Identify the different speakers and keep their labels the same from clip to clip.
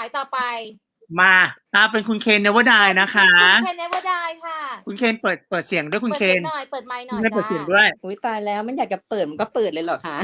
Speaker 1: ายต่อไป
Speaker 2: มาเป็นคุณเคนเนวดายนะคะ
Speaker 1: คุณเคนเนวดายค่ะ
Speaker 2: คุณเคนเปิดเสียงด้วยคุณเคน
Speaker 1: หน่อยเปิดไมค์หน่อย
Speaker 2: เปิดเสียงด้วย
Speaker 3: อุ้ยตายแล้วมันอยากจะเปิดมันก็เปิดเลยเหรอคะ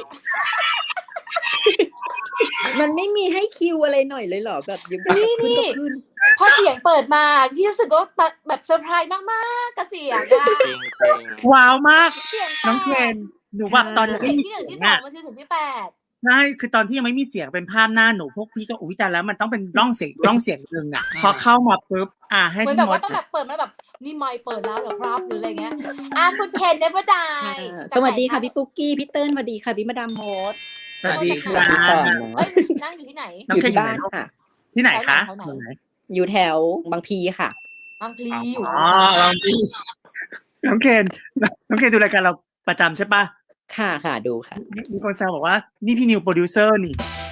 Speaker 3: มันไม่มีให้คิวอะไรหน่อยเลยเหรอแบบยังขึ้นก็ขึ้น
Speaker 1: พอเสียงเปิดมาที่รู้สึกว่าแบบเซอร์ไพรส์มากๆกับเสียงอะ
Speaker 2: ว้าวมากน้องเคนหนูแบบตอน
Speaker 1: ที่1ที่2มันถึงที่8
Speaker 2: ใช่คือตอนที่ยังไม่มีเสียงเป็นภาพหน้าหนูพวกพี่ก็อุ้ยแต่แล้วมันต้องเป็นร่องเสียงนึงอ่ะพอเข้ามาปุ๊บให้
Speaker 1: เหมือนแบบว่าต้องแบบเปิดมาแบบนี่ไมค์เปิดแล้วเหรอครับหรืออะไรเงี้ยคุณเคนเนวดาย
Speaker 3: สวัสดีค่ะพี่ปุ๊กกี้พี่เติ้ลสวัสดีค่ะพี่มาดามโมด
Speaker 2: สวัสดีค่ะ
Speaker 1: นั่งอยู่ที่ไหน
Speaker 3: อยู่ที่บ้านค่ะ
Speaker 2: ที่ไหนคะ
Speaker 3: อยู่แถวบางพีค่ะ
Speaker 1: บางพลีอยู่
Speaker 2: บางพีน้องเคนดูรายการเราประจำใช่ปะ
Speaker 3: ค่ะดูค่ะ
Speaker 2: มีคนแซวบอกว่านี่พี่นิวโปรดิวเซอร์นี่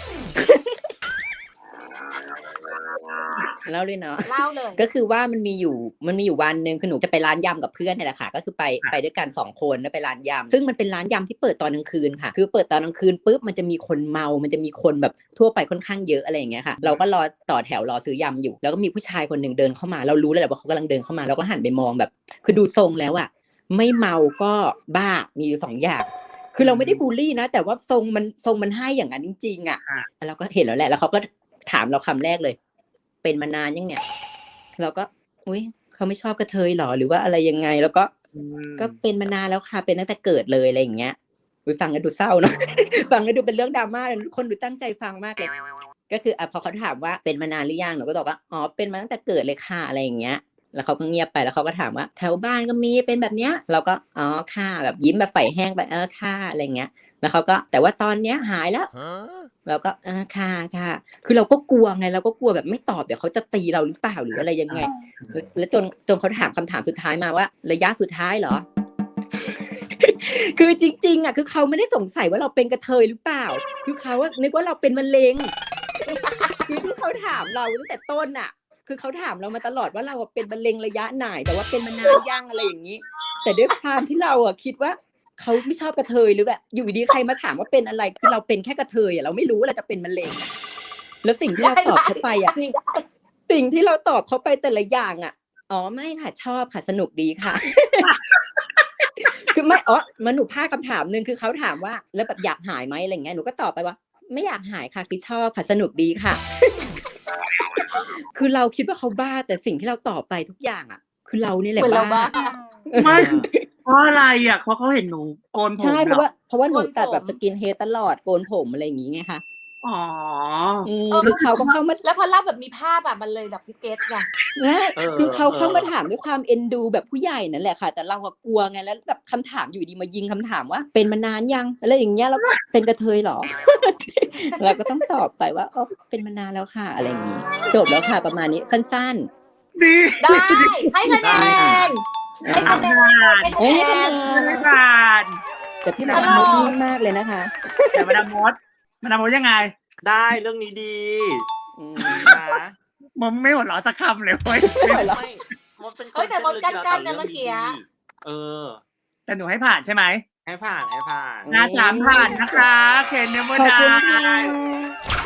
Speaker 3: เล่าเลยเนาะ
Speaker 1: เล่าเลย
Speaker 3: ก็คือว่ามันมีอยู่วันนึงคือหนูจะไปร้านยำกับเพื่อนนี่แหละค่ะก็คือไปด้วยกัน2คนแล้วไปร้านยำซึ่งมันเป็นร้านยำที่เปิดตอนกลางคืนค่ะคือเปิดตอนกลางคืนปุ๊บมันจะมีคนเมามันจะมีคนแบบทั่วไปค่อนข้างเยอะอะไรอย่างเงี้ยค่ะเราก็รอต่อแถวรอซื้อยำอยู่แล้วก็มีผู้ชายคนนึงเดินเข้ามาเรารู้เลยแหละว่าเขากำลังเดินเข้ามาเราก็หันไปมองแบบคือดูทรงแล้วอะไม่เมาก็บ้ามีอยู่2อย่างคือเราไม่ได้บูลลี่นะแต่ว่าทรงมันให้อย่างนั้นจริงๆอ่ะเราก็เห็นแล้วแหละแล้วเขาก็ถามเราคำแรกเลยเป็นมานานยังเนี่ยเราก็อุ๊ยเขาไม่ชอบกระเทยหรอหรือว่าอะไรยังไงแล้วก็เป็นมานานแล้วค่ะเป็นตั้งแต่เกิดเลยอะไรอย่างเงี้ยฟังแล้วดูเศร้าเนาะ ฟังแล้วดูเป็นเรื่องดราม่าคนดูตั้งใจฟังมากเลยก็คือพอเขาถามว่าเป็นมานานหรือยังหนูก็ตอบว่าอ๋อเป็นมาตั้งแต่เกิดเลยค่ะอะไรอย่างเงี้ยแล้วเขาก็เงียบไปแล้วเขาก็ถามว่าแถวบ้านก็มีเป็นแบบเนี้ยเราก็อ๋อค่ะแบบยิ้มแบบไฟแห้งไปค่ะอะไรเงี้ยแล้วเขาก็แต่ว่าตอนเนี้ยหายแล้วเราก็ค่ะคือเราก็กลัวไงเราก็กลัวแบบไม่ตอบเดี๋ยวเขาจะตีเราหรือเปล่าหรืออะไรยังไงแล้วจนเขาถามคำถามสุดท้ายมาว่าระยะสุดท้ายเหรอ คือจริงๆอ่ะคือเขาไม่ได้สงสัยว่าเราเป็นกระเทยหรือเปล่าคือเขาว่านึกว่าเราเป็นมะเร็ง คือที่เขาถามเราตั้งแต่ต้นอ่ะคือเขาถามเรามาตลอดว่าเราเป็นมะเร็งระยะไหนแต่ว่าเป็นมานานยังอะไรอย่างนี้แต่ด้วยความที่เราอ่ะคิดว่าเขาไม่ชอบกระเทยหรือแบบอยู่ดีใครมาถามว่าเป็นอะไรคือเราเป็นแค่กระเทยอ่ะเราไม่รู้ว่าเราจะเป็นมะเร็งแล้วสิ่งที่เราตอบเขาไปอ่ะสิ่งที่เราตอบเขาไปแต่ละอย่างอ่ะอ๋อไม่ค่ะชอบค่ะสนุกดีค่ะ คือไม่มันหนูพลาดคำถามนึงคือเขาถามว่าแล้วแบบอยากหายไหมอะไรเงี้ยหนูก็ตอบไปว่าไม่อยากหายค่ะคือชอบค่ะสนุกดีค่ะ คือเราคิดว่าเขาบ้าแต่สิ่งที่เราตอบไปทุกอย่างอ่ะคือเรานี่แหละบ้า
Speaker 2: ไม่เพราะอะไรอ่ะเพราะเขาเห็นหนูโกนผม
Speaker 3: ใช่เพราะว่าหนูตัดแบบสกินเฮดตลอดโกนผมอะไรอย่างงี้ไงคะ
Speaker 2: อ๋อ
Speaker 3: คือเขาก็เข้ามา
Speaker 1: แล้วพอเล่าแบบมีภาพแบบมันเลยแบบพี่เกตไง
Speaker 3: คือเขาเข้ามาถามด้วยความเอ็นดูแบบผู้ใหญ่นั่นแหละค่ะแต่เราก็กลัวไงแล้วแบบคำถามอยู่ดีมายิงคำถามว่าเป็นมานานยังอะไรอย่างเงี้ยแล้วก็เป็นกระเทยหรอ เราก็ต้องตอบไปว่าเป็นมานานแล้วค่ะอะไรอย่างงี้จบแล้วค่ะประมาณนี้สั้น
Speaker 2: ๆดี
Speaker 1: ได้ให้คะแนนให้คะแน
Speaker 3: นแต่พี่มาดามมดนิ่งมากเลยนะคะ
Speaker 2: แต่มาดามมดยังไง
Speaker 4: ได้เรื่องนี้ดี
Speaker 2: นะมันไม่หัวเราะสักคำเลยเว้ย
Speaker 1: แต่มดกั้นนะเมื่อกี้
Speaker 2: แต่หนูให้ผ่านใช่ไหม
Speaker 4: ให้ผ่าน
Speaker 2: 3 ผ่านนะคะเคนเนวดาย